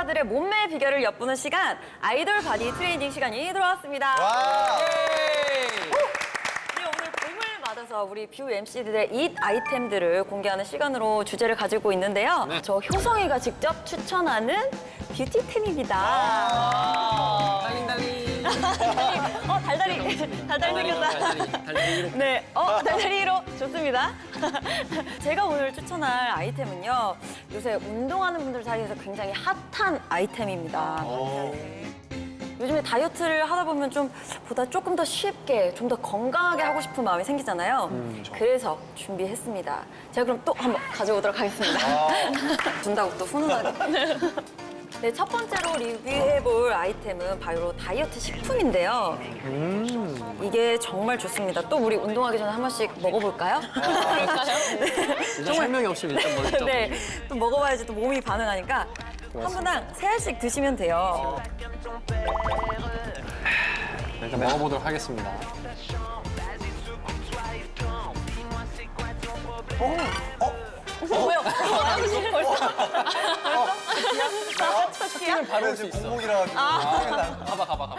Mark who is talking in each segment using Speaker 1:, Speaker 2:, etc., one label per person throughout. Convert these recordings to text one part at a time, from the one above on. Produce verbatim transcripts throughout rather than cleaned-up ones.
Speaker 1: 스타들의 몸매 비결을 엿보는 시간, 아이돌 바디 트레이닝 시간이 돌아왔습니다.
Speaker 2: 와.
Speaker 1: 네, 오늘 봄을 맞아서 우리 뷰 엠씨들의 잇 아이템들을 공개하는 시간으로 주제를 가지고 있는데요.
Speaker 3: 네.
Speaker 1: 저 효성이가 직접 추천하는 뷰티템입니다.
Speaker 3: 달링 달링.
Speaker 1: 어, 달달이, 달달 생겼다.
Speaker 3: 달달이, 달달이.
Speaker 1: 네, 어, 달달이로 좋습니다. 제가 오늘 추천할 아이템은요, 요새 운동하는 분들 사이에서 굉장히 핫한 아이템입니다. 요즘에 다이어트를 하다 보면 좀 보다 조금 더 쉽게, 좀 더 건강하게 하고 싶은 마음이 생기잖아요. 그래서 준비했습니다. 제가 그럼 또 한번 가져오도록 하겠습니다. 준다고 또 훈훈하게. 네, 첫 번째로 리뷰해볼 아이템은 바로 다이어트 식품인데요.
Speaker 3: 음.
Speaker 1: 이게 정말 좋습니다. 또 우리 운동하기 전에 한 번씩 먹어볼까요? 그럴까요?
Speaker 3: 일단 설명이 없이 일단 먼저.
Speaker 1: 네, 또 먹어봐야지 또 몸이 반응하니까 한 분당 세 알씩 드시면 돼요.
Speaker 3: 일단 먹어보도록 하겠습니다.
Speaker 1: 뭐요? 벌써? 벌써?
Speaker 3: 치킨은 바로 올 수
Speaker 2: 지금
Speaker 3: 있어.
Speaker 2: 공복이라 가지고.
Speaker 3: 가봐 가봐 가봐.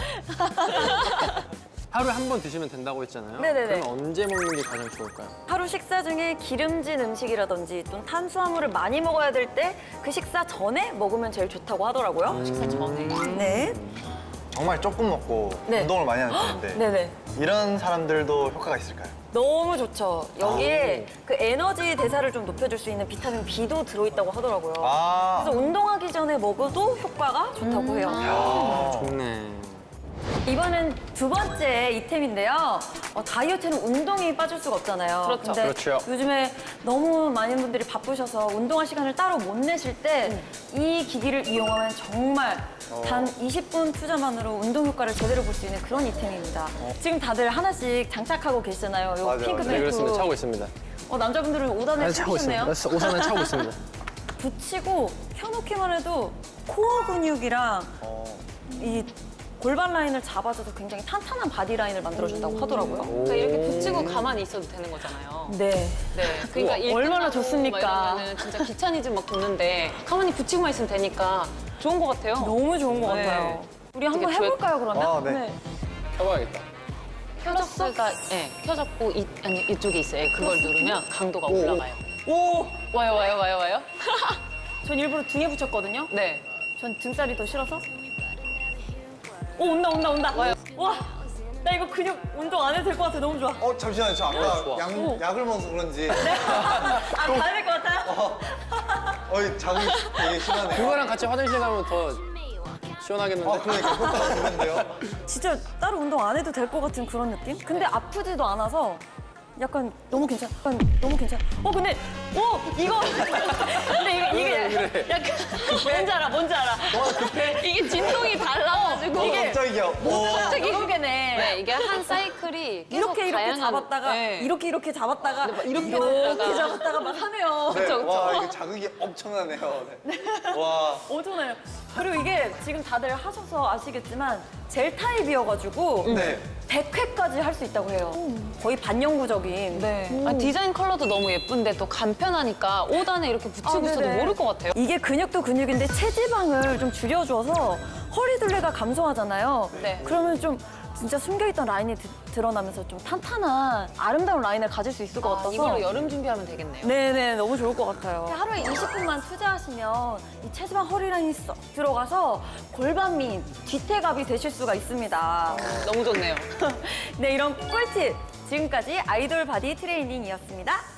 Speaker 3: 하루에 한 번 드시면 된다고 했잖아요.
Speaker 1: 네네네.
Speaker 3: 그럼 언제 먹는 게 가장 좋을까요?
Speaker 1: 하루 식사 중에 기름진 음식이라든지 또 탄수화물을 많이 먹어야 될 때 그 식사 전에 먹으면 제일 좋다고 하더라고요. 식사 전에. 네.
Speaker 2: 정말 조금 먹고
Speaker 1: 네.
Speaker 2: 운동을 많이 하는 편인데
Speaker 1: 네네.
Speaker 2: 이런 사람들도 효과가 있을까요?
Speaker 1: 너무 좋죠. 여기에 그 에너지 대사를 좀 높여줄 수 있는 비타민 B도 들어있다고 하더라고요.
Speaker 2: 아.
Speaker 1: 그래서 운동하기 전에 먹어도 효과가 좋다고 해요.
Speaker 2: 아.
Speaker 3: 좋네.
Speaker 1: 이번엔 두 번째 이템인데요. 어, 다이어트는 운동이 빠질 수가 없잖아요.
Speaker 4: 그렇죠.
Speaker 1: 근데
Speaker 3: 그렇죠.
Speaker 1: 요즘에 너무 많은 분들이 바쁘셔서 운동할 시간을 따로 못 내실 때 이 기기를 이용하면 정말 단 이십 분 투자만으로 운동 효과를 제대로 볼 수 있는 그런 이템입니다. 지금 다들 하나씩 장착하고 계시잖아요. 요
Speaker 2: 맞아요,
Speaker 1: 핑크
Speaker 2: 맞아요.
Speaker 3: 네
Speaker 1: 벨트.
Speaker 3: 그렇습니다. 차고 있습니다.
Speaker 1: 어, 남자분들은 오 단에
Speaker 3: 차고 있습니다.
Speaker 1: 차셨네요.
Speaker 3: 우산은 차고 있습니다.
Speaker 1: 붙이고 펴놓기만 해도 코어 근육이랑
Speaker 2: 어.
Speaker 1: 이 골반 라인을 잡아줘서 굉장히 탄탄한 바디 라인을 만들어준다고 하더라고요.
Speaker 4: 그러니까 이렇게 붙이고 가만히 있어도 되는 거잖아요.
Speaker 1: 네.
Speaker 4: 네. 그러니까 일
Speaker 1: 얼마나
Speaker 4: 끝나고
Speaker 1: 좋습니까?
Speaker 4: 막 이러면은 진짜 귀차니즘 막 도는데 가만히 붙이고만 있으면 되니까 좋은 것 같아요.
Speaker 1: 너무 좋은 것
Speaker 4: 네.
Speaker 1: 같아요. 우리 한번
Speaker 4: 되게
Speaker 1: 해볼까요, 그러면?
Speaker 2: 아, 네.
Speaker 3: 켜봐야겠다.
Speaker 4: 켜졌을까? 네. 켜졌고 이, 아니 이쪽에 있어요. 그걸 누르면 강도가
Speaker 2: 오.
Speaker 4: 올라가요.
Speaker 1: 오!
Speaker 4: 와요 와요 와요 와요.
Speaker 1: 전 일부러 등에 붙였거든요.
Speaker 4: 네.
Speaker 1: 전 등살이 더 싫어서. 오, 온다, 온다, 온다. 와요. 와, 나 이거 근육 운동 안 해도 될 것 같아. 너무 좋아.
Speaker 2: 어, 잠시만요. 저 아까
Speaker 3: 좋아.
Speaker 2: 약, 약을 먹어서 그런지
Speaker 1: 아, 가야 될 것 같아요?
Speaker 2: 어, 이 자극이 되게 심하네요.
Speaker 3: 그거랑 같이 화장실 가면 더 시원하겠는데?
Speaker 2: 아, 그러니까 효과가 좋은데요?
Speaker 1: 진짜 따로 운동 안 해도 될 것 같은 그런 느낌? 근데 아프지도 않아서 약간 너무 괜찮아. 약간 너무 괜찮아. 어, 근데, 오! 이거. 근데 이게, 이게
Speaker 3: 그래.
Speaker 1: 약간. 뭔지 알아, 뭔지 알아.
Speaker 4: 이게 진동이 달라가지고
Speaker 2: 어,
Speaker 4: 이게
Speaker 2: 깜짝이야. 어.
Speaker 1: 갑자기 여러 개네.
Speaker 4: 네 이게 한 사이클이 계속
Speaker 1: 이렇게 이렇게
Speaker 4: 다양한-
Speaker 1: 잡았다가
Speaker 4: 네.
Speaker 1: 이렇게 이렇게 잡았다가
Speaker 4: 이렇게
Speaker 1: 이렇게
Speaker 4: 잡았다가.
Speaker 1: 잡았다가 막 하네요.
Speaker 2: 네,
Speaker 4: 그쵸, 그쵸.
Speaker 2: 와, 이게 자극이 엄청나네요. 네. 와.
Speaker 1: 엄청나요. 그리고 이게 지금 다들 하셔서 아시겠지만 젤 타입이어가지고
Speaker 2: 네.
Speaker 1: 백 회까지 할 수 있다고 해요. 거의 반영구적인.
Speaker 4: 네. 아, 디자인 컬러도 너무 예쁜데 또 간편하니까 오 단에 이렇게 붙이고
Speaker 1: 아,
Speaker 4: 있어도
Speaker 1: 네네.
Speaker 4: 모를 것 같아요.
Speaker 1: 이게 근육도 근육인데 체지방을 좀 줄여줘서 허리둘레가 감소하잖아요.
Speaker 4: 네.
Speaker 1: 그러면 좀 진짜 숨겨있던 라인이 드, 드러나면서 좀 탄탄한 아름다운 라인을 가질 수 있을 것
Speaker 4: 아,
Speaker 1: 같아서
Speaker 4: 이걸로 여름 준비하면 되겠네요.
Speaker 1: 네네, 너무 좋을 것 같아요. 하루에 이십 분만 투자하시면 이 체지방 허리 라인이 쏙 들어가서 골반 및 뒤태갑이 되실 수가 있습니다.
Speaker 4: 너무 좋네요.
Speaker 1: 네, 이런 꿀팁 지금까지 아이돌 바디 트레이닝이었습니다.